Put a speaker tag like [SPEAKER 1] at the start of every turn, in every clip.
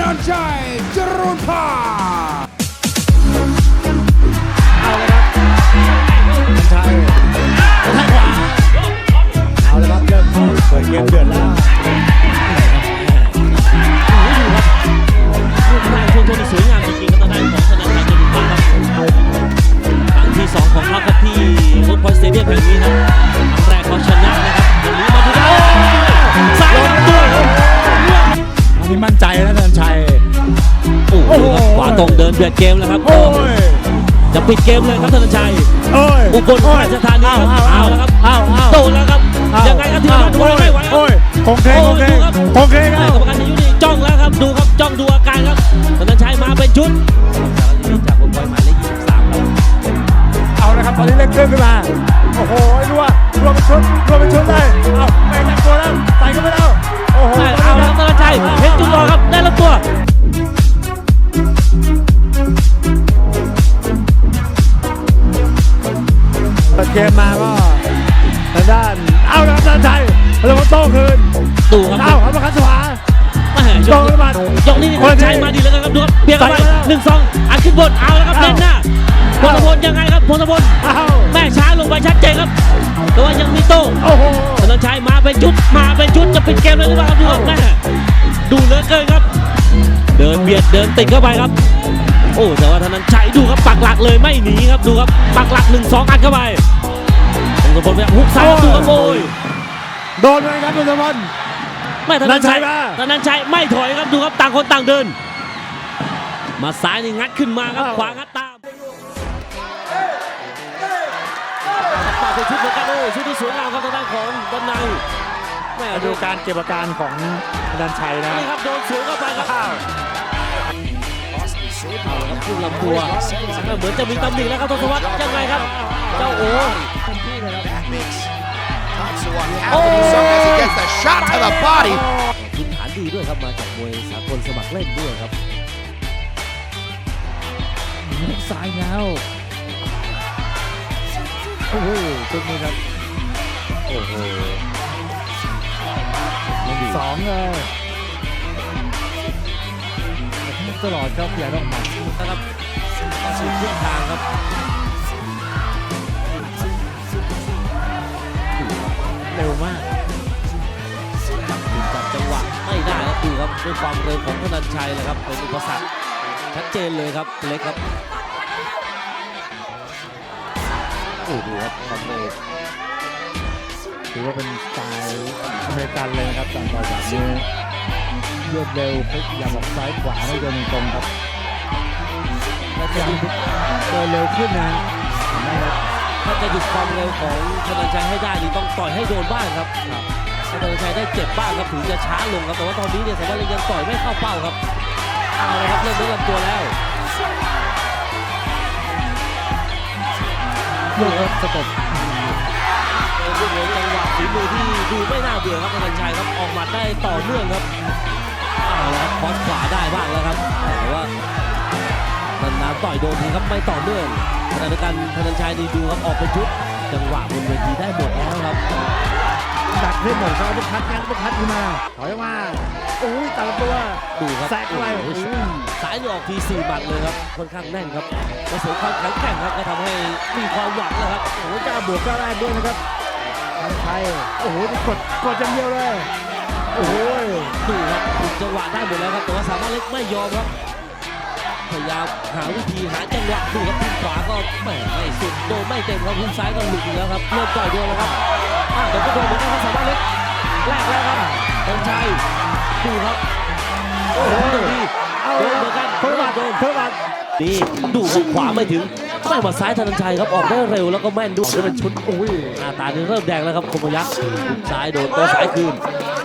[SPEAKER 1] นันชัยจรุนพา
[SPEAKER 2] เอาเลยครับชัยทางขวาเอาเลยครับเริ่มเปิดเกมเดือดแล้ว
[SPEAKER 3] ลูกแรกช่วงต้นสวยงามจริงๆครับทางด้านของธนาคารจรุนพาครับครั้งที่2ของเขาครับที่ฟุตบอลสเตเดียมแห่งนี้ครับครั้งแรกเขาชนะนะครับวันนี้มาดูได้ซ้ายลำตัว
[SPEAKER 2] อันนี้มั่นใจแล้วธนชัย
[SPEAKER 3] โอ้โหขวาตรงเดินเบียดเกมแล้วครับจะปิดเกมเลยครับธนชัยอุบลราชธานีเอาแล้วครับโดนแล้วครับยังไงครับทีมดูไม่ไหว
[SPEAKER 2] คงเคคงเคครับกร
[SPEAKER 3] รมการยุติจ้องแล้วครับดูครับจ้องดูอาการครับธนชัยมาเป็นชุดจากบอลหมายเลข23ครับ
[SPEAKER 2] เอาละครับตอนนี้เล่นเครื่องขึ้นมาโอ้โหรัวเป็นชุดเลยเอาไม่ตั้งตัวแล้วใส่ก็ไม่ได้โอ้โห
[SPEAKER 3] เอาแล้วธนชัยเห็นจุดรอครับได้รับตัว
[SPEAKER 2] เปิดเกมมาก็ทางด้านเอาละครับธนชัยเราโต้คืน
[SPEAKER 3] ดูครับ
[SPEAKER 2] เอาครับประคันสวา
[SPEAKER 3] โต้ขึ้นมายกนี้ธนชัยมาดีแล้วครับดูครับเบียดเข้าไป1-2อัดขึ้นบนเอาแล้วครับเล่นหน้าพลพลยังไงครับพลพลแม่ช้าลงไปชัดเจนครับแต่ว่ายังมีโต้ธนชัยมาเป็นชุดจะปิดเกมเลยหรือเปล่าครับดูครับแม่ดูเหลือเกินครับเดินเบียดเดินติดเข้าไปครับโอ้แต่ว่าธนชัยดูครับปักหลักเลยไม่หนีครับดูครับปักหลัก1-2อัดเข้าไปพลพลไปฮุกซ้ายดูครับโอย
[SPEAKER 2] โดนเลยครับพลพล
[SPEAKER 3] ไม่ธนชัยไม่ถอยครับดูครับต่างคนต่างเดินมาซ้ายนี่งัดขึ้นมาครับขวางัดตามมาเป็นชุดเหมือนกันโอ้ชุดที่สวยงามครับทางด้านของด้านในแม่
[SPEAKER 2] ดูการเก็บอาการของธนชัยนะ
[SPEAKER 3] นี่ครับโดนสวนเข้าไปครับเอาละครับขึ้นลำตัวเหมือนจะมีตำหนิแล้วครับทศวรรษยังไงครับเจ้าโอ้พื้นฐานดีด้วยครับมาจากมวยสากลสมัครเล่นด้วยครับ
[SPEAKER 2] ซ้ายแล้วโอ้โหจุดนี้ครับโอ้โห2เลยตลอดครับอย่าต้องหมัด
[SPEAKER 3] นะครับสุดทุกทางครับ
[SPEAKER 2] เร็วมาก
[SPEAKER 3] จับจังหวะไม่ได้ครับดูครับด้วยความเร็วของธนชัยเลยครับเป็นอุปสรรคชัดเจนเลยครับเล็กครับโอ้โหครับความเร็ว
[SPEAKER 2] ถือว่าเป็นสไตล์อเมริกันเลยนะครับการต่อยแบบนี้รวดเร็วพลิกอย่าบอกซ้ายขวาไม่เดินตรงครับและจะเดินเร็วขึ้นนะ
[SPEAKER 3] ถ้าจะหยุดความเร็วของธนชัยให้ได้นี่ต้องต่อยให้โดนบ้างครับถ้าธนชัยได้เจ็บบ้างครับถึงจะช้าลงครับแต่ว่าตอนนี้เนี่ยสมมติยังต่อยไม่เข้าเป้าครับเอาเลยครับเริ่มเล่นลำตัวแล้ว
[SPEAKER 2] เลือกสต็อป
[SPEAKER 3] จังหวะฝีมือที่ดูไม่น่าเบื่อครับธนชัยครับออกมาได้ต่อเนื่องครับเอาละครับคอสขวาได้บ้างแล้วครับแต่ว่านานๆต่อยโดนทีครับไม่ต่อเนื่องขณะเดียวกันธนชัยนี่ดูครับออกเป็นชุดจังหวะบนเวทีได้หมดแล้วครับ
[SPEAKER 2] ดักให้หมดเขาบุกพัดงั้นบุกพัดขึ้นมาถอยมาโอ้ยตัดตัว
[SPEAKER 3] ดูครับ
[SPEAKER 2] แซกอะไร
[SPEAKER 3] สายนี่ออกที4หมัดเลยครับค่อนข้างแน่นครับผสมความแข็งแกร่งครับก็ทำให้มีความหวังนะครับ
[SPEAKER 2] โอ้ยกล้าบวกกล้าแรกด้วยนะครับธนชัยโอ้โหกดอย่างเดียวเลยโอ้โห
[SPEAKER 3] ดูครับถูกจังหวะได้หมดแล้วครับแต่ว่าสามารถเล็กไม่ยอมครับพยายามหาวิธีหาจังหวะดูครับทีมขวาก็ไม่สุดโดนไม่เต็มครับทีมซ้ายก็หลุดแล้วครับเริ่มต่อยด้วยแล้วครับเดี๋ยวก็โดนเหมือนกันครับสามารถเล็กแรกแล้วครับธนชัยดูครับโอ้โหดีโดนเหมือนกัน
[SPEAKER 2] เพิ่มมา
[SPEAKER 3] ดีดูครับขวาไม่ถึงไม่มาซ้ายธนชัยครับออกได้เร็วแล้วก็แม่นด้วยเป็นชุด
[SPEAKER 2] อุ้ย
[SPEAKER 3] หน้าตานี่เริ่มแดงแล้วครับคมยักษ์ซ้ายโดนตัวซ้ายคืน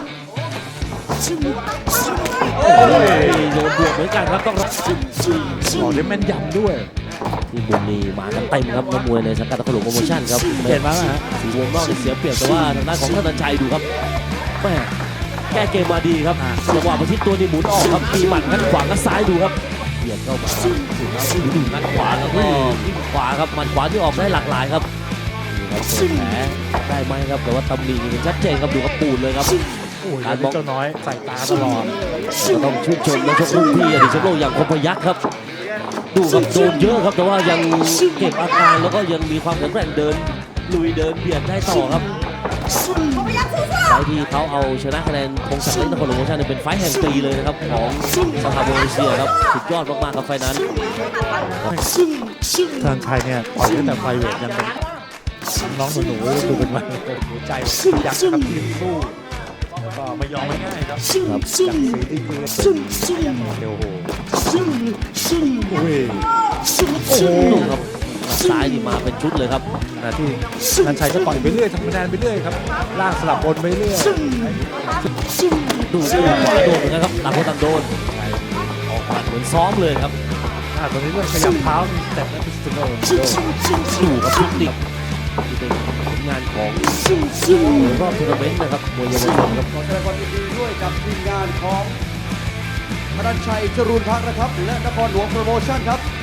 [SPEAKER 3] โอ้ยโดนบวกเหมือนกันครับต้องรับ
[SPEAKER 2] ขอได้แม่นยำด้วย
[SPEAKER 3] ที่บุญนีมากันเต็มครับนักมวยในสังกัดตะลุโปรโมชั่นครับ
[SPEAKER 2] เห็นไหมฮะ
[SPEAKER 3] สีวงนอกเสียเปรียบแต่ว่าทางด้านของธนชัยดูครับแม่แก้เกมมาดีครับจังหวะประชิดตัวนี่หมุนออกครับตีหมัดงัดขวางัดซ้ายดูครับเบียดเข้ามาถึงแล้วที่งัดขวาแล้วก็ที่ขวาครับหมัดขวาที่ออกได้หลากหลายครับนี่ครับแผลได้ไหมครับแต่ว่าตำหนิชัดเจนครับดูครับปูดเลยครับ
[SPEAKER 2] โอ้ยวันนี้เจ้าน้อยใส่ตาตลอด
[SPEAKER 3] ก็ต้องชื่นชมนักชกรุ่นพี่อดีตแชมป์โลกอย่างคมพยัคฆ์ครับดูครับโดนเยอะครับแต่ว่ายังเก็บอาการแล้วก็ยังมีความแข็งแกร่งเดินลุยเดินเบียดได้ต่อครับไฟล์ที่เขาเอาชนะคะแนนพงศักดิ์เล็กนครหลวงโปรโมชั่นเป็นไฟล์แห่งปีเลยนะครับของสภาโบเอเชียครับสุดยอดมากๆครับไฟล์นั้น
[SPEAKER 2] ทางชัยเนี่ยต่อยตั้งแต่ไฟเวทยังเป็นน้องหนูๆดูเป็นวันหัวใจยักษ์ครับทีมสู้แล้วก็ไม่ยอมไม่ง่ายครับจากสีที่คือเร็วโหโอ้ย
[SPEAKER 3] โอ้โหครับซ้ายนี่มาเป็นชุดเลยครับ
[SPEAKER 2] ขณะที่นันชัยก็ต่อยไปเรื่อยทำคะแนนไปเรื่อยครับล่างสลับบนไปเรื่อย
[SPEAKER 3] ดูขวาโดนเหมือนกันครับต่างคนต่างโดนออกหมัดเหมือนซ้อมเลยครับ
[SPEAKER 2] ตอนนี้เรื่องขยับเท้าแต่ไม่เป็นสโนว์
[SPEAKER 3] ดูครับชุดติกที่เป็นผลงานของรอบทัวร์นาเมนต์นะครับมวยเยาวชนครับ
[SPEAKER 1] ขอแสดงความยินดีด้วยกับทีมงานของธนันชัยจรูนพักนะครับและนครหลวงโปรโมชั่นครับ